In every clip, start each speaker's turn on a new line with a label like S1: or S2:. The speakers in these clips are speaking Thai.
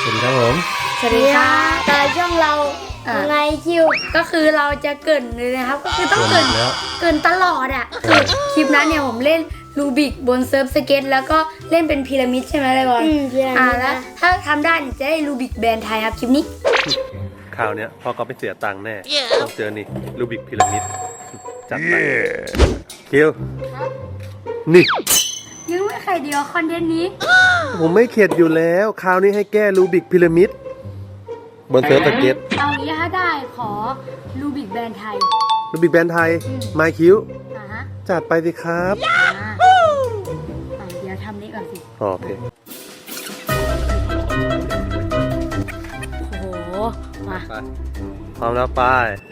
S1: วัสดีครับผม
S2: สวัสดีค่ะตอนช่องเราไงคิว
S3: ก็คือเราจะเกริ่นเลยนะครับก็คือต้องเกริ่นตลอดอ่ะคือคลิปนั้นเนี่ยผมเล่นรูบิกบนเซิร์ฟสเก็ตแล้วก็เล่นเป็นพีระมิดใช่ไหมเลยบอลแล้วถ้าทำได้จะได้รูบิกแบรนด์ไทยครับคลิปนี้
S1: ข่าวเนี้ยพ่อก็ไม่เสียตังค์แน่ต้องเจอนี่รูบิกพีระมิดจัดไปคิวนี่
S3: ยังไม่ใครเดียวคอนเทนต์นี้
S1: ผมไม่เข็ดอยู่แล้วคราวนี้ให้แก้รูบิกพีระมิดบนเซิร์ฟสเก็ต
S3: เอางี้ถ้าได้ขอรูบิกแบรนด์ไทย
S1: รูบิกแบรนด์ไทยไมค์คิวจัดไปสิครับ
S3: เดี๋ยวทำนี้ก่อนสิ
S1: โอเค
S3: โอ้โหมา
S1: พร้อมแล้วไป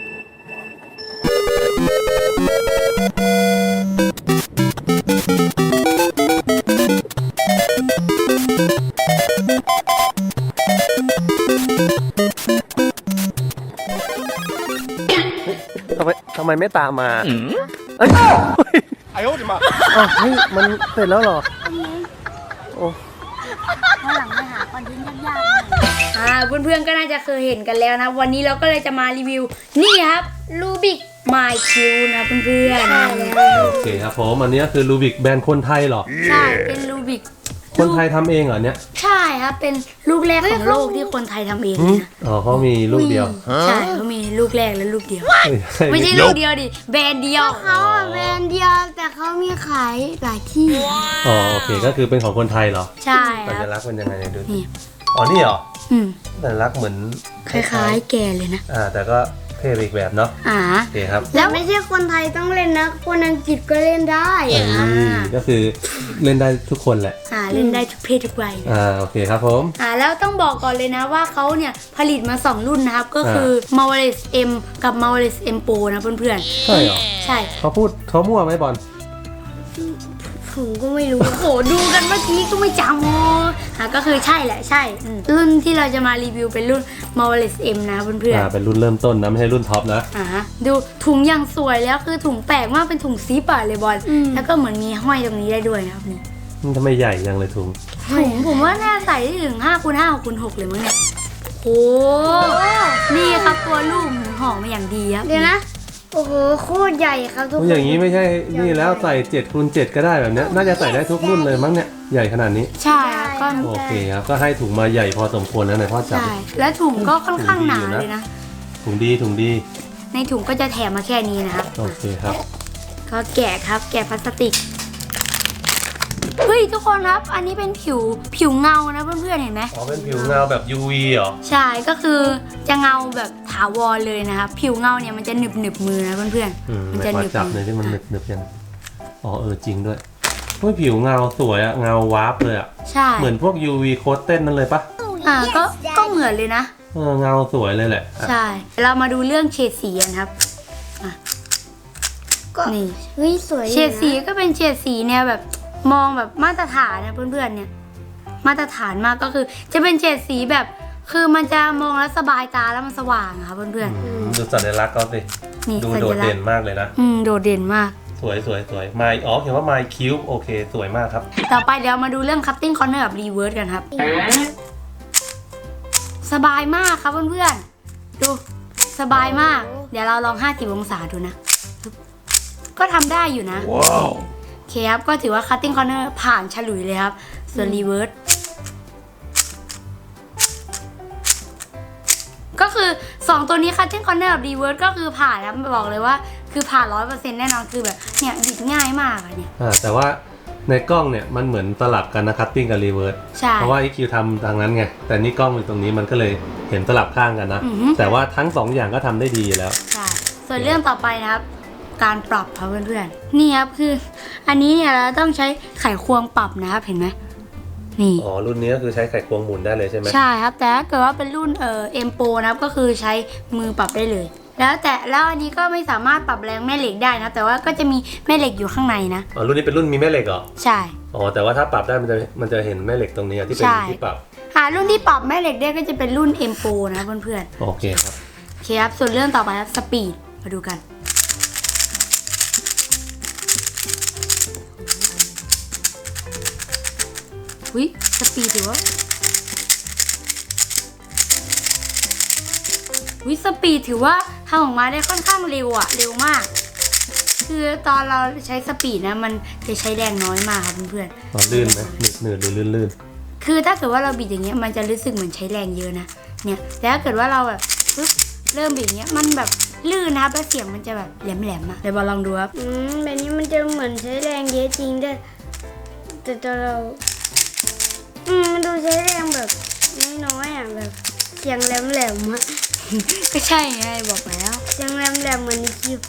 S1: ทำไมไม่ตามมาเอ้ยไอ้โอ้ดิมาเฮ้ยมันเสร็จแล้วเหรอโอ้
S3: ข้างหลังไปหาคอนเทนต์ยากๆเพื่อนๆก็น่าจะเคยเห็นกันแล้วนะวันนี้เราก็เลยจะมารีวิวนี่ครับรูบิกไมค์คิวนะเพื่อน
S1: ๆโอเคครับผมอันนี้คือรูบิกแบรนด์คนไทยเหรอ
S3: ใช่เป็นรูบิก
S1: คนไทยทำเองเหรอเนี่ย
S3: ใช่ครับเป็นลูกแรกของโลกที่คนไทยทำเองนะ
S1: อ๋อเขามีลูกเดียว
S3: ใช่เขามีลูกแรกและลูกเดียวไม่ใช่ลูกเดียวดิแบรนด์เดียว
S2: เขาแบรนด์เดียวแต่เขามีขายหลายที่
S1: อ๋อโอเคก็คือเป็นของคนไทยเหรอ
S3: ใช่
S1: สัญลักษณ์เป็นยังไงเนี่ยดูอ๋อนี่เหรอสัญลักษณ์เหมือน
S3: คล้ายๆแกเลยนะ
S1: แต่ก็เท่อีกแบบเนาะโอเคครับ
S2: แล้วไม่ใช่คนไทยต้องเล่นนะคนอังกฤษก็เล่นได้
S1: ก็คือเล่นได้ทุกคนแหละ
S3: เล่นได้ทุกเพศทุกวัย
S1: โอเคครับผม
S3: แล้วต้องบอกก่อนเลยนะว่าเขาเนี่ยผลิตมา2รุ่นนะครับก็คือ Marvelous M กับ Marvelous M Pro นะเพื่อน
S1: ๆใช่เหรอ
S3: ใช่
S1: เขามั่วไหมบอล
S2: ผมก็ไม่รู้
S3: โหดูกันเมื่อกี้ก็ไม่จำก็คือใช่แหละใช่รุ่นที่เราจะมารีวิวเป็นรุ่น Marvelous M นะเพื่อน
S1: ๆเป็นรุ่นเริ่มต้นนะไม่ใช่รุ่นท็อปนะ
S3: ดูถุงอย่างสวยแล้วคือถุงแปลกมากเป็นถุงซิปเลยบอลแล้วก็เหมือนมีห้อยตรงนี้ได้ด้วยนะครับนี่
S1: ทำไมใหญ่ยังเลยถุง
S3: ผมว่าน่าใส่ได้ถึง5x5 6x6เลยมั้งเนี่ยโอ้นี่ครับตัวลูกห่อมาอย่างดีครับ
S2: เดี๋ยวนะโอ้โหโคตรใหญ่ครับทุกคน
S1: อย่างนี้ไม่ใช่นี่แล้วใส่7x7ก็ได้แบบนี้น่าจะใส่ได้ทุกรุ่นเลยมั้งเนี่ยใหญ่ขนาดนี้
S3: ใช่ก็
S1: โอเคครับก็ให้ถุงมาใหญ่พอสมควรนะในพ่อจับ
S3: ใช่และถุงก็ค่อนข้างหนาเลยนะ
S1: ถุงดี
S3: ในถุงก็จะแถมมาแค่นี้นะครับ
S1: โอเคครับ
S3: ก็แกะครับแกะพลาสติกเฮ้ยทุกคนครับอันนี้เป็นผิวเงานะเพื่อนๆเห็นไหม
S1: อ๋อเป็นผิวเงาแบบ UV เหรอ
S3: ใช่ก็คือจะเงาแบบถาวรเลยนะครับผิวเงาเนี่ยมันจะหนึบมือนะเพื่อน
S1: ๆมันจะหนึบจับเลยที่มันหนึบยังอ๋อจริงด้วยผิวเงาสวยอะเงาวาร์ปเลยอะ
S3: ใช่
S1: เหมือนพวก UV โค้ดเต้นนั่นเลยปะ
S3: ก็เหมือนเลยนะ
S1: เงาสวยเลยแหละ
S3: ใช่เรามาดูเรื่องเฉดสีกันครับนี่
S2: เฮ้ยสวย
S3: เฉดสีก็เป็นเฉดสีเนี่ยแบบมองแบบมาตรฐานนะเพื่อนๆเนี่ยมาตรฐานมากก็คือจะเป็นเฉดสีแบบคือมันจะมองแล้วสบายตาแล้วมันสว่างค่ะเพื่อน
S1: ๆดูสัญลักษณ์เขาสิดูโดดเด่นมากเลยนะ
S3: โดดเด่นมาก
S1: สวยไมค์เขียนว่าไมค์คิวโอเคสวยมากครับ
S3: ต่อไปเดี๋ยวมาดูเรื่อง cutting corner กับ reverse กันครับสบายมากครับเพื่อนๆดูสบายมากเดี๋ยวเราลอง50องศาดูนะก็ทำได้อยู่นะ
S1: ว้าว
S3: โอเคครับก็ถือว่า cutting corner ผ่านฉลุยเลยครับส่วน reverse ก็คือ2ตัวนี้ cutting corner กับ reverse ก็คือผ่านนะบอกเลยว่าคือผ่าน 100% แน่นอนคือแบบเนี่ยบิดง่ายมากเนี่ย
S1: แต่ว่าในกล้องเนี่ยมันเหมือนสลับกันนะ cutting กับ reverse เพราะว่า EQ ทำทางนั้นไงแต่นี่กล้องอยู่ตรงนี้มันก็เลยเห็นสลับข้างกันนะแต่ว่าทั้ง2อย่างก็ทำได้ดีแล้ว
S3: ใช่ส่วนเรื่องต่อไปนะครับการปรับครับเพื่อนๆนี่ครับคืออันนี้เนี่ยเราต้องใช้ไขควงปรับนะครับเห็นไหมนี่
S1: รุ่นนี้ก็คือใช้ไขควงหมุนได้เลยใช่ไหม
S3: ใช่ครับแต่ถ้าเกิดว่าเป็นรุ่นM Pro นะครับก็คือใช้มือปรับได้เลยแล้วอันนี้ก็ไม่สามารถปรับแรงแม่เหล็กได้นะแต่ว่าก็จะมีแม่เหล็กอยู่ข้างในนะ
S1: รุ่นนี้เป็นรุ่นมีแม่เหล็กเหรอ
S3: ใช่
S1: แต่ว่าถ้าปรับได้มันจะเห็นแม่เหล็กตรงนี้ที่เป็นที่ปรับ
S3: รุ่นที่ปรับแม่เหล็กได้ก็จะเป็นรุ่น M Pro นะเพื่อน
S1: ๆโอเคครับ
S3: โอเคครับส่วนเรื่องต่อไปครับสปีดมาดูกันสปีดถือว่าวิสปีดถือว่าทำออกมาได้ค่อนข้างเร็วอะเร็วมาก คือตอนเราใช้สปีดนะมันจะใช้แรงน้อยมากครับเพื่อน
S1: ลื่นไหมหนืดหรือลื่น
S3: ๆคือถ้าเกิดว่าเราบิดอย่างเงี้ยมันจะรู้สึกเหมือนใช้แรงเยอะนะเนี่ยแต่ถ้าเกิดว่าเราแบบปึ๊บเริ่มบิดอย่างเงี้ยมันแบบลื่นนะครับแล้วเสียงมันจะแบบแหลมๆอะเดี๋ยวบอลลองดูครับ
S2: แบบนี้มันจะเหมือนใช้แรงเยอะจริงแต่ตัวเรามันดูใช้แรงแบบน้อยๆอ่ะแบบเสียงแหลมๆอ่ะ
S3: ก็ใช่ไงบอกแล้ว
S2: เสียงแหลมๆเหมือนในคลิป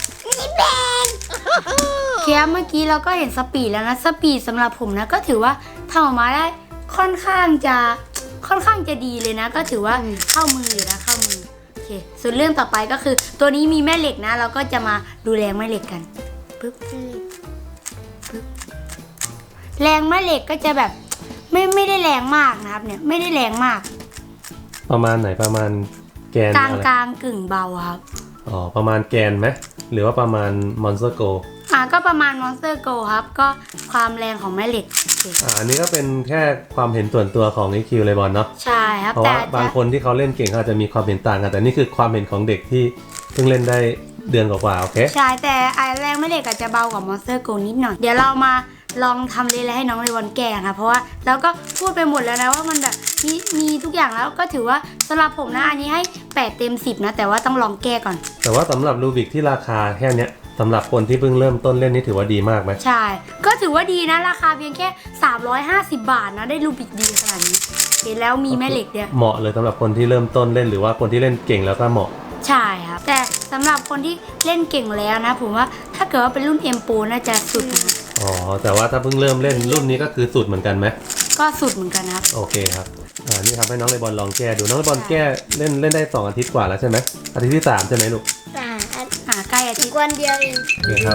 S3: เคียเมื่อกี้เราก็เห็นสปีดแล้วนะสปีดสำหรับผมนะก็ถือว่าทำออกมาได้ค่อนข้างจะดีเลยนะ ก็ถือว่าเข้ามืออยู่นะเข้ามือโอเคส่วนเรื่องต่อไปก็คือตัวนี้มีแม่เหล็กนะ เราก็จะมาดูแรงแม่เหล็กกันปึ๊บปึ๊บแรงแม่เหล็กก็จะแบบไม่ได้แรงมากนะครับเนี่ยไม่ได้แรงมาก
S1: ๆประมาณไหนประมาณแกน
S3: กลาง
S1: อะไร
S3: กลางกึ่งเบาครับ
S1: อ๋อประมาณแกนไหมหรือว่าประมาณมอนสเตอร์โก
S3: ก็ประมาณ Monster Go ครับก็ความแรงของแม่เหล็กโอเค
S1: อันนี้ก็เป็นแค่ความเห็นส่วนตัวของ EQ เลยบอลเนาะ
S3: ใช่ครับ
S1: เพราะ
S3: แต่
S1: ว่าบางคนที่เขาเล่นเก่งเขาอาจจะมีความเห็นต่างกันแต่นี่คือความเห็นของเด็กที่เพิ่งเล่นได้เดือนกว่าๆโอเค
S3: ใช่แต่แรงแม่เหล็กอาจจะเบากว่า Monster Go นิดหน่อยเดี๋ยวเรามาลองทำเลยให้น้องเลวอนแก้ค่ะเพราะว่าเราก็พูดไปหมดแล้วนะว่ามันแบบมีทุกอย่างแล้วก็ถือว่าสำหรับผมนะอันนี้ให้8เต็ม10นะแต่ว่าต้องลองแก้ก่อน
S1: แต่ว่าสำหรับรูบิกที่ราคาแค่เนี้ยสำหรับคนที่เพิ่งเริ่มต้นเล่นนี่ถือว่าดีมากไหม
S3: ใช่ก็ถือว่าดีนะราคาเพียงแค่350 บาทนะได้รูบิกดีขนาดนี้เห็นแล้วมีแม่เหล็กเนี่ย
S1: เหมาะเลยสำหรับคนที่เริ่มต้นเล่นหรือว่าคนที่เล่นเก่งแล้วก็เหมาะ
S3: ใช่ครับแต่สำหรับคนที่เล่นเก่งแล้วนะผมว่าถ้าเกิดว่าเป็นรุ่น M Pro น่าจะสุดนะ
S1: อ๋อแต่ว่าถ้าเพิ่งเริ่มเล่นรุ่นนี้ก็คือสุดเหมือนกันไหม
S3: ก็สุดเหมือนกันนะครับ
S1: โอเคครับนี่ครับให้น้องเลบอลลองแก้ดูน้องเลบอลแก้เล่นได้2 อาทิตย์กว่าแล้วใช่ไหมอาทิตย์ที่3ใช่ไหมลูก
S3: ใกล้อาทิ
S2: อี
S3: ต
S2: ก
S3: ย์
S2: วันเดียวเอง
S1: โอเคครับ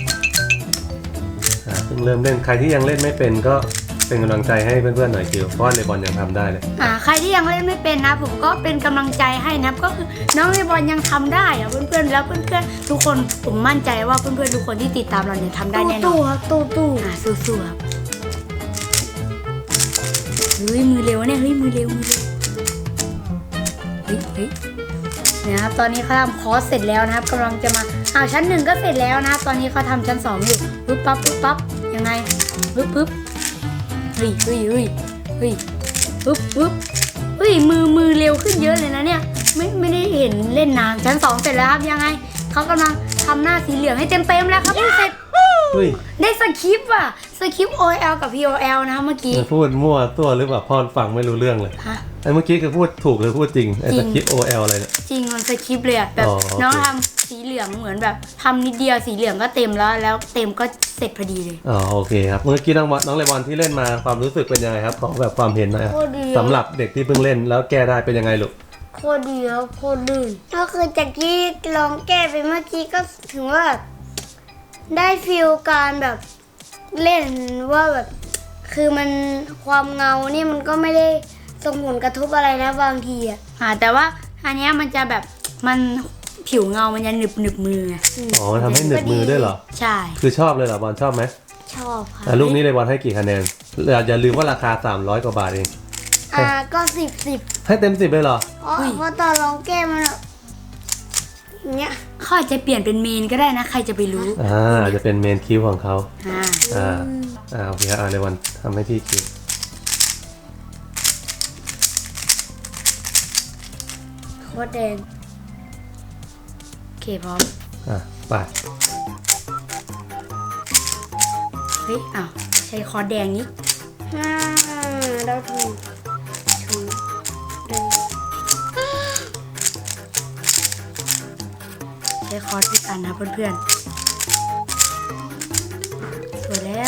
S1: เพิ่งเริ่มเล่นใครที่ยังเล่นไม่เป็นก็เป็นกำลังใจให้เพื่อนๆหน่อยคิวเพราะว่าเลบอลยังทำได้เลย
S3: ใครที่ยังเล่นไม่เป็นนะผมก็เป็นกำลังใจให้นะก็คือน้องเลบอลยังทำได้อะเพื่อนๆแล้วเพื่อนๆทุกคนผมมั่นใจว่าเพื่อนๆทุกคนที่ติดตามเราเนี่ยทำได้แน่นอน
S2: ตู้ครับตู้
S3: สู้ๆครับเฮ้ยมือเร็วเนี่ยเฮ้ยมือเร็วเฮ้ยเนี่ยครับตอนนี้เขาทำคอร์สเสร็จแล้วนะครับกำลังจะมาชั้น 1ก็เสร็จแล้วนะครับตอนนี้เขาทำชั้น 2อยู่ปึ๊บปั๊บยังไงปึ๊บเฮ้ยปึ๊บมือเร็วขึ้นเยอะเลยนะเนี่ยไม่ได้เห็นเล่นนานชั้น 2เสร็จแล้วครับยังไงเขากำลังทำหน้าสีเหลืองให้เต็มแล้วครับเสร็จได้สคริปต์อ่ะสคริปต์ OL กับ POL นะเมื่อกี้
S1: พูดมั่วตัวหรือเปล่าพ่อฟังไม่รู้เรื่องเลย
S3: ฮะ
S1: ไอ้เมื่อกี้คือพูดถูกหรือพูดจริงไอ้สคริปต์ OL อะไรเนี่ย
S3: จริงมันสคริปต์เลยอะแบบ
S1: อ๋อโอเค
S3: น้องทำสีเหลืองเหมือนแบบทำนิดเดียวสีเหลืองก็เต็มแล้วเต็มก็เสร็จพอดีเลย
S1: อ๋อโอเคครับเมื่อกี้น้องเลบอลที่เล่นมาความรู้สึกเป็นยังไงครับขอแบบความเห็นหน่อยครับ
S2: โคตรดี
S1: สำหรับเด็กที่เพิ่งเล่นแล้วแก้ได้เป็นยังไงลูก
S2: โคตรดีครับโคตรลื่นก็คือจากที่ลองแก้ไปเมื่อกี้ก็ถึงว่าแบบได้ฟีลการแบบเล่นว่าแบบคือมันความเงานี่มันก็ไม่ได้ส่งผลกระทบอะไรนะบางทีอ่ะ
S3: แต่ว่าอันเนี้ยมันจะแบบมันผิวเงามันจะหนึบมือไง
S1: อ๋อมันทำให้หนึบมือด้วยเหรอ
S3: ใช่
S1: คือชอบเลยเหรอบอลชอบไหม
S2: ชอบค่ะ
S1: ลูกนี้เลบอลให้กี่คะแนนอย่าลืมว่าราคา300 กว่าบาทเอง
S2: ก็10
S1: ให้เต็ม10เลยเหรอ
S2: เพราะตอนลองแก้มันแบบอย่างเงี้ย
S3: เขาอาจจะเปลี่ยนเป็นเมนก็ได้นะใครจะไปรู้
S1: จะเป็นเมนคิวของเขา
S3: อ่า
S1: โอเคครับเลบอลทำให้พี่คิว
S2: โคตรแดง
S3: โอเคพร้อม
S1: ไป
S3: เฮ้ยใช้คอร์สแดงนี้
S2: เราถูกแดง
S3: ใช้คอร์สที่กันนะเพื่อนๆสวยแล้ว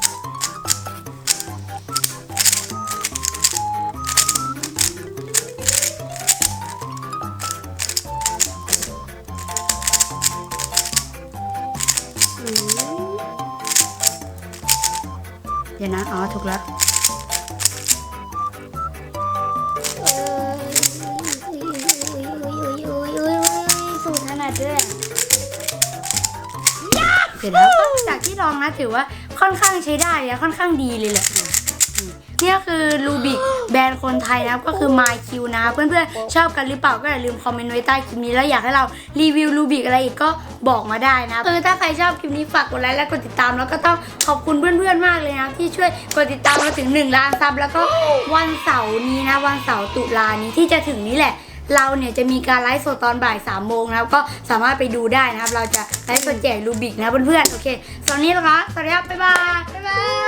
S3: เดี๋ยวนะถูกแล้ว
S2: สูตรถนัดด้วย
S3: เสร็จแล้วก็จากที่ลองนะถือว่าค่อนข้างใช้ได้และค่อนข้างดีเลยแหละนี่คือลูบิกแบรนด์คนไทยนะครับก็คือ MyQ นะเพื่อนๆชอบกันหรือเปล่าก็อย่าลืมคอมเมนต์ไว้ใต้คลิปนี้แล้วอยากให้เรารีวิวลูบิกอะไรอีกก็บอกมาได้นะถ้าใครชอบคลิปนี้ฝากกดไลค์และกดติดตามแล้วก็ต้องขอบคุณเพื่อนๆมากเลยนะที่ช่วยกดติดตามมาถึง1 ล้านซับแล้วก็วันเสาร์นี้นะวันเสาร์ตุลานี้ที่จะถึงนี้แหละเราเนี่ยจะมีการไลฟ์สดตอนบ่าย3 โมงนะครับก็สามารถไปดูได้นะครับเราจะไลฟ์สดแจกลูบิกนะเพื่อนๆโอเคสำหรับนี้นะคะสวัสดีครับบ๊ายบาย